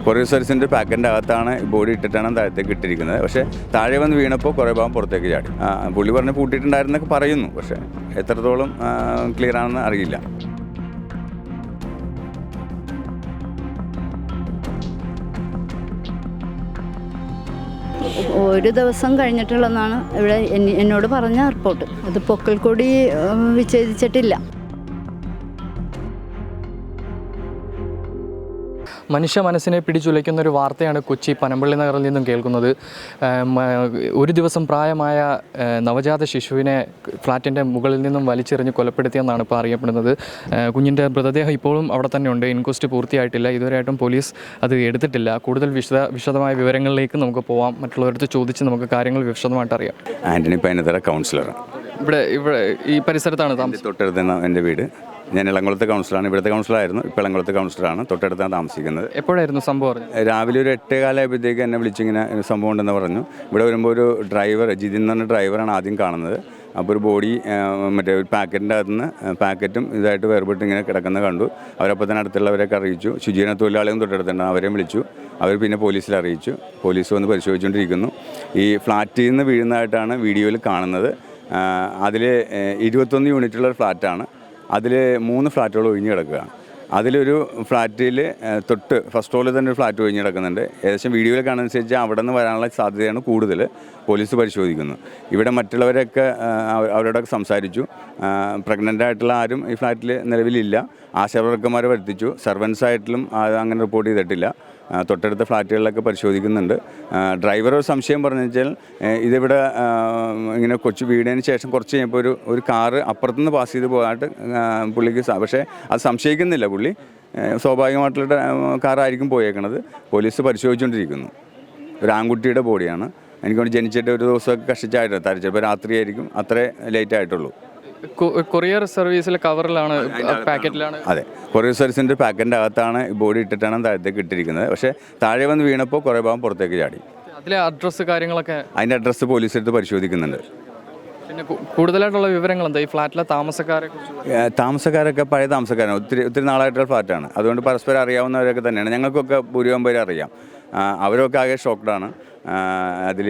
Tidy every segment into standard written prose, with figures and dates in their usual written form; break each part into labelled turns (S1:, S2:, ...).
S1: Courier സർവീസിൻ്റെ പാക്കറ്റിൻ്റെ അകത്താണ് body ഇട്ടിട്ടാണ് താഴത്തേക്ക് ഇട്ടിരിക്കുന്നത്. പക്ഷേ താഴെ വന്ന് വീണപ്പോൾ കുറേ ഭാഗം പുറത്തേക്ക് ചാടി. പുള്ളി പറഞ്ഞ് പൂട്ടിയിട്ടുണ്ടായിരുന്നൊക്കെ പറയുന്നു, പക്ഷേ എത്രത്തോളം ക്ലിയർ ആണെന്ന് അറിയില്ല.
S2: ഒരു ദിവസം കഴിഞ്ഞിട്ടുള്ളതാണ് ഇവിടെ എന്നോട് പറഞ്ഞ റിപ്പോർട്ട്. അത് പൊക്കിൾക്കൊടി വിച്ഛേദിച്ചിട്ടില്ല.
S3: മനുഷ്യ മനസ്സിനെ പിടിച്ചുലയ്ക്കുന്ന ഒരു വാർത്തയാണ് കൊച്ചി പനമ്പള്ളി നഗറിൽ നിന്നും കേൾക്കുന്നത്. ഒരു ദിവസം പ്രായമായ നവജാത ശിശുവിനെ ഫ്ലാറ്റിൻ്റെ മുകളിൽ നിന്നും വലിച്ചെറിഞ്ഞ് കൊലപ്പെടുത്തിയെന്നാണ് ഇപ്പോൾ അറിയപ്പെടുന്നത്. കുഞ്ഞിൻ്റെ മൃതദേഹം ഇപ്പോഴും അവിടെ തന്നെ ഉണ്ട്. ഇൻക്വസ്റ്റ് പൂർത്തിയായിട്ടില്ല. ഇതുവരെയായിട്ടും പോലീസ് അത് എടുത്തിട്ടില്ല. കൂടുതൽ വിശദമായ വിവരങ്ങളിലേക്ക് നമുക്ക് പോവാം. മറ്റുള്ളവരടുത്ത് ചോദിച്ച് നമുക്ക് കാര്യങ്ങൾ വിശദമായിട്ട് അറിയാം.
S1: ആൻ്റണി പൈനത്തറ കൗൺസിലറാണ്.
S3: ഇവിടെ ഈ പരിസരത്താണ് താമസം.
S1: തൊട്ടടുത്ത് എൻ്റെ വീട്. ഞാൻ ഇളംകുളത്തെ കൗൺസിലറാണ്. ഇവിടുത്തെ കൗൺസിലറായിരുന്നു. ഇപ്പോൾ ഇളംകുളത്തെ കൗൺസിലറാണ്. തൊട്ടടുത്താണ് താമസിക്കുന്നത്.
S3: എപ്പോഴായിരുന്നു സംഭവം?
S1: രാവിലെ ഒരു 8:15 എന്നെ വിളിച്ചിങ്ങനെ സംഭവം ഉണ്ടെന്ന് പറഞ്ഞു. ഇവിടെ വരുമ്പോൾ ഒരു ഡ്രൈവർ, ജിതിൻ എന്ന് പറഞ്ഞ ഡ്രൈവറാണ് ആദ്യം കാണുന്നത്. അപ്പോൾ ഒരു ബോഡി മറ്റേ ഒരു പാക്കറ്റിൻ്റെ അകത്ത് നിന്ന് പാക്കറ്റും ഇതായിട്ട് വേർപെട്ട് ഇങ്ങനെ കിടക്കുന്നത് കണ്ടു. അവരപ്പോൾ തന്നെ അടുത്തുള്ളവരൊക്കെ അറിയിച്ചു. ശുചീകരണ തൊഴിലാളികളും തൊട്ടടുത്തുണ്ട്. അവരെയും വിളിച്ചു. അവർ പിന്നെ പോലീസിൽ അറിയിച്ചു. പോലീസ് വന്ന് പരിശോധിച്ചുകൊണ്ടിരിക്കുന്നു. ഈ ഫ്ലാറ്റിൽ നിന്ന് വീഴുന്നതായിട്ടാണ് വീഡിയോയിൽ കാണുന്നത്. അതിൽ 21 യൂണിറ്റുള്ള ഒരു ഫ്ലാറ്റാണ്. അതിൽ 3 ഫ്ലാറ്റുകൾ ഒഴിഞ്ഞ് കിടക്കുകയാണ്. അതിലൊരു ഫ്ലാറ്റിൽ തൊട്ട് ഫസ്റ്റ് ഫ്ലോറിൽ തന്നെ ഒരു ഫ്ലാറ്റ് ഒഴിഞ്ഞ് കിടക്കുന്നുണ്ട്. ഏകദേശം വീഡിയോയിൽ കാണുന്നതനുസരിച്ച് അവിടെ നിന്ന് വരാനുള്ള സാധ്യതയാണ് കൂടുതൽ. പോലീസ് പരിശോധിക്കുന്നു. ഇവിടെ മറ്റുള്ളവരൊക്കെ അവരോടൊക്കെ സംസാരിച്ചു. പ്രഗ്നൻ്റ് ആയിട്ടുള്ള ആരും ഈ ഫ്ലാറ്റിൽ നിലവിലില്ല. ആശാവർക്കന്മാരെ വരുത്തിച്ചു. സർവൻസായിട്ടും അങ്ങനെ റിപ്പോർട്ട് ചെയ്തിട്ടില്ല. തൊട്ടടുത്ത ഫ്ലാറ്റുകളിലൊക്കെ പരിശോധിക്കുന്നുണ്ട്. ഡ്രൈവർ ഒരു സംശയം പറഞ്ഞു വെച്ചാൽ ഇതിവിടെ ഇങ്ങനെ കൊച്ചു വീടിന് ശേഷം കുറച്ച് കഴിഞ്ഞപ്പോൾ ഒരു കാറ് അപ്പുറത്തുനിന്ന് പാസ് ചെയ്ത് പോകാനായിട്ട് പുള്ളിക്ക് പക്ഷേ അത് സംശയിക്കുന്നില്ല. പുള്ളി സ്വാഭാവികമായിട്ടുള്ള കാറായിരിക്കും പോയേക്കണത്. പോലീസ് പരിശോധിച്ചുകൊണ്ടിരിക്കുന്നു. ഒരു ആൺകുട്ടിയുടെ ബോഡിയാണ്. എനിക്കൊണ്ട് ജനിച്ചിട്ട് ഒരു ദിവസമൊക്കെ കഷ്ടിച്ചായിട്ട് ചിലപ്പോൾ രാത്രിയായിരിക്കും. അത്രേ ലേറ്റ് ആയിട്ടുള്ളൂ.
S3: കൊറിയർ സർവീസിലെ കവറിലാണ്, പാക്കറ്റിലാണ്.
S1: അതെ, കൊറിയർ സർവീസിൻ്റെ പാക്കറ്റിൻ്റെ അകത്താണ് ബോഡി ഇട്ടിട്ടാണ് താഴത്തേക്ക് ഇട്ടിരിക്കുന്നത്. പക്ഷേ താഴെ വന്ന് വീണപ്പോൾ കുറേ ഭാഗം പുറത്തേക്ക് ചാടി.
S3: അതിലെ അഡ്രസ്സ് കാര്യങ്ങളൊക്കെ,
S1: അതിൻ്റെ അഡ്രസ്സ് പോലീസ് എടുത്ത് പരിശോധിക്കുന്നുണ്ട്.
S3: പിന്നെ കൂടുതലായിട്ടുള്ള വിവരങ്ങൾ എന്താ ഈ ഫ്ലാറ്റിലെ താമസക്കാരൊക്കെ പഴയ താമസക്കാരാണ്. ഒത്തിരി നാളായിട്ടുള്ള ഫ്ലാറ്റാണ്. അതുകൊണ്ട് പരസ്പരം അറിയാവുന്നവരൊക്കെ തന്നെയാണ്. ഞങ്ങൾക്കൊക്കെ ഭൂരിഭാഗം പേര് അറിയാം. അവരൊക്കെ ആകെ ഷോക്ക്ഡാണ്. അതിൽ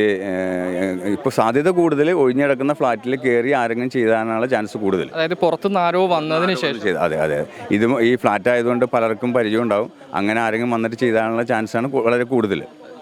S3: ഇപ്പോൾ സാധ്യത കൂടുതൽ ഒഴിഞ്ഞിടക്കുന്ന ഫ്ലാറ്റിൽ കയറി ആരെങ്കിലും ചെയ്താനുള്ള ചാൻസ് കൂടുതൽ. അതായത് പുറത്തുനിന്ന് ആരോ വന്നതിന് ശേഷം.
S1: അതെ. ഈ ഫ്ലാറ്റ് ആയതുകൊണ്ട് പലർക്കും പരിചയം ഉണ്ടാവും. അങ്ങനെ ആരെങ്കിലും വന്നിട്ട് ചെയ്താനുള്ള ചാൻസാണ് വളരെ കൂടുതൽ.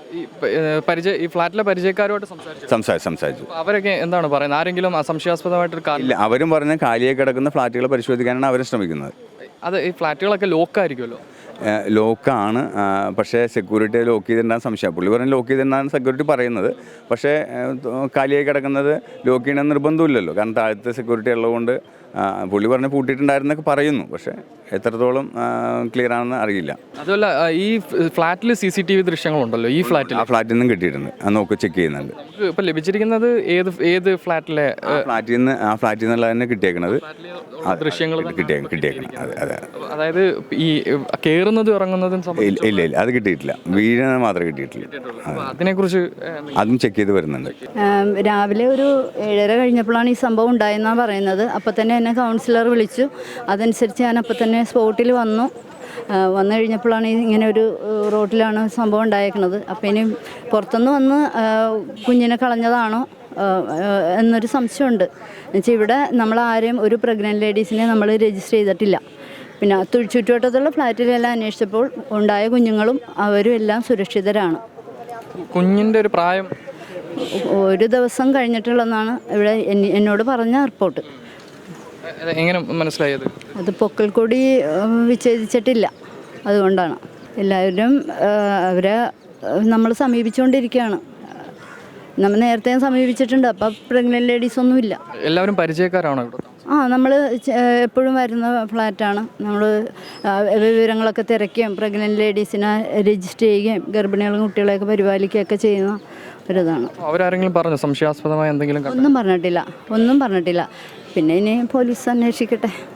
S3: ഈ ഫ്ലാറ്റിലെ പരിചയക്കാരുമായിട്ട്
S1: സംസാരിച്ചു.
S3: അവരൊക്കെ എന്താണ് പറയുന്നത്? ആരെങ്കിലും സംശയാസ്പദമായിട്ടൊരു
S1: ഇല്ല, അവരും പറഞ്ഞ കാലിയായി കിടക്കുന്ന ഫ്ലാറ്റുകൾ പരിശോധിക്കാനാണ് അവർ ശ്രമിക്കുന്നത്.
S3: അത് ഈ ഫ്ലാറ്റുകളൊക്കെ ലോക്കായിരിക്കുമല്ലോ?
S1: ലോക്കാണ്. പക്ഷേ സെക്യൂരിറ്റി ലോക്ക് ചെയ്തിട്ടുണ്ടാകുന്ന സംശയം. പുള്ളി പറഞ്ഞ് ലോക്ക് ചെയ്തിട്ടുണ്ടാകുന്ന സെക്യൂരിറ്റി പറയുന്നത്. പക്ഷേ കാലിയായി കിടക്കുന്നത് ലോക്ക് ചെയ്യണമെന്ന് നിർബന്ധമില്ലല്ലോ. കാരണം താഴത്തെ സെക്യൂരിറ്റി ഉള്ളതുകൊണ്ട് പുള്ളി പറഞ്ഞ് പൂട്ടിയിട്ടുണ്ടായിരുന്നൊക്കെ പറയുന്നു. പക്ഷേ എത്രത്തോളം ക്ലിയർ ആണെന്ന് അറിയില്ല.
S3: അതുമല്ല, ഈ ഫ്ലാറ്റിൽ CCTV ദൃശ്യങ്ങളുണ്ടല്ലോ. ഈ ഫ്ലാറ്റിൽ
S1: നിന്നും കിട്ടിയിട്ടുണ്ട്. അത് നോക്കി ചെക്ക് ചെയ്യുന്നുണ്ട്.
S3: ഇപ്പം ലഭിച്ചിരിക്കുന്നത് ഏത് ഫ്ലാറ്റിലെ?
S1: ഫ്ലാറ്റിൽ നിന്നുള്ള തന്നെ കിട്ടിയേക്കണത്
S3: ദൃശ്യങ്ങൾ
S1: കിട്ടിയേക്കണം. അതെ.
S3: അതായത് ഈ കയറുന്നതും ഇറങ്ങുന്നതും
S1: ഇല്ല, അത് കിട്ടിയിട്ടില്ല. വീഴുന്നത് മാത്രമേ കിട്ടിയിട്ടില്ല.
S3: അതിനെക്കുറിച്ച്
S1: അതും ചെക്ക് ചെയ്ത് വരുന്നുണ്ട്.
S2: രാവിലെ ഒരു 7:30 കഴിഞ്ഞപ്പോഴാണ് ഈ സംഭവം ഉണ്ടായെന്നാണ് പറയുന്നത്. അപ്പോൾ തന്നെ എന്നെ കൗൺസിലർ വിളിച്ചു. അതനുസരിച്ച് ഞാൻ അപ്പോൾ തന്നെ സ്പോട്ടിൽ വന്നു കഴിഞ്ഞപ്പോഴാണ് ഇങ്ങനെ ഒരു റോഡിലാണ് സംഭവം ഉണ്ടായേക്കുന്നത്. അപ്പോൾ ഇനി പുറത്തുനിന്ന് വന്ന് കുഞ്ഞിനെ കളഞ്ഞതാണോ എന്നൊരു സംശയമുണ്ട്. എന്നുവെച്ചാൽ ഇവിടെ നമ്മളാരെയും ഒരു പ്രഗ്നൻറ്റ് ലേഡീസിനെ നമ്മൾ രജിസ്റ്റർ ചെയ്തിട്ടില്ല. പിന്നെ ചുറ്റുവട്ടത്തുള്ള ഫ്ലാറ്റിലെല്ലാം അന്വേഷിച്ചപ്പോൾ ഉണ്ടായ കുഞ്ഞുങ്ങളും അവരും എല്ലാം സുരക്ഷിതരാണ്.
S3: കുഞ്ഞിൻ്റെ ഒരു പ്രായം
S2: ഒരു ദിവസം കഴിഞ്ഞിട്ടുള്ളതാണ് ഇവിടെ എന്നോട് പറഞ്ഞ റിപ്പോർട്ട്.
S3: എങ്ങനെ മനസ്സിലായത്?
S2: അത് പൊക്കിൾക്കൊടി വിച്ഛേദിച്ചിട്ടില്ല. അതുകൊണ്ടാണ് എല്ലാവരും അവരെ നമ്മൾ സമീപിച്ചുകൊണ്ടിരിക്കുകയാണ്. നമ്മൾ നേരത്തെ സമീപിച്ചിട്ടുണ്ട്. അപ്പം പ്രഗ്നൻറ്റ് ലേഡീസ് ഒന്നുമില്ല.
S3: എല്ലാവരും പരിചയക്കാരാണോ?
S2: നമ്മൾ എപ്പോഴും വരുന്ന ഫ്ലാറ്റാണ്. നമ്മൾ വിവരങ്ങളൊക്കെ തിരക്കുകയും പ്രഗ്നൻറ്റ് ലേഡീസിനെ രജിസ്റ്റർ ചെയ്യുകയും ഗർഭിണികളും കുട്ടികളെയൊക്കെ പരിപാലിക്കുകയൊക്കെ ചെയ്യുന്ന ഒരിതാണ്.
S3: അവരാരെങ്കിലും പറഞ്ഞു സംശയാസ്പദമായ എന്തെങ്കിലും?
S2: ഒന്നും പറഞ്ഞിട്ടില്ല. പിന്നെ ഇനി പോലീസ് അന്വേഷിക്കട്ടെ.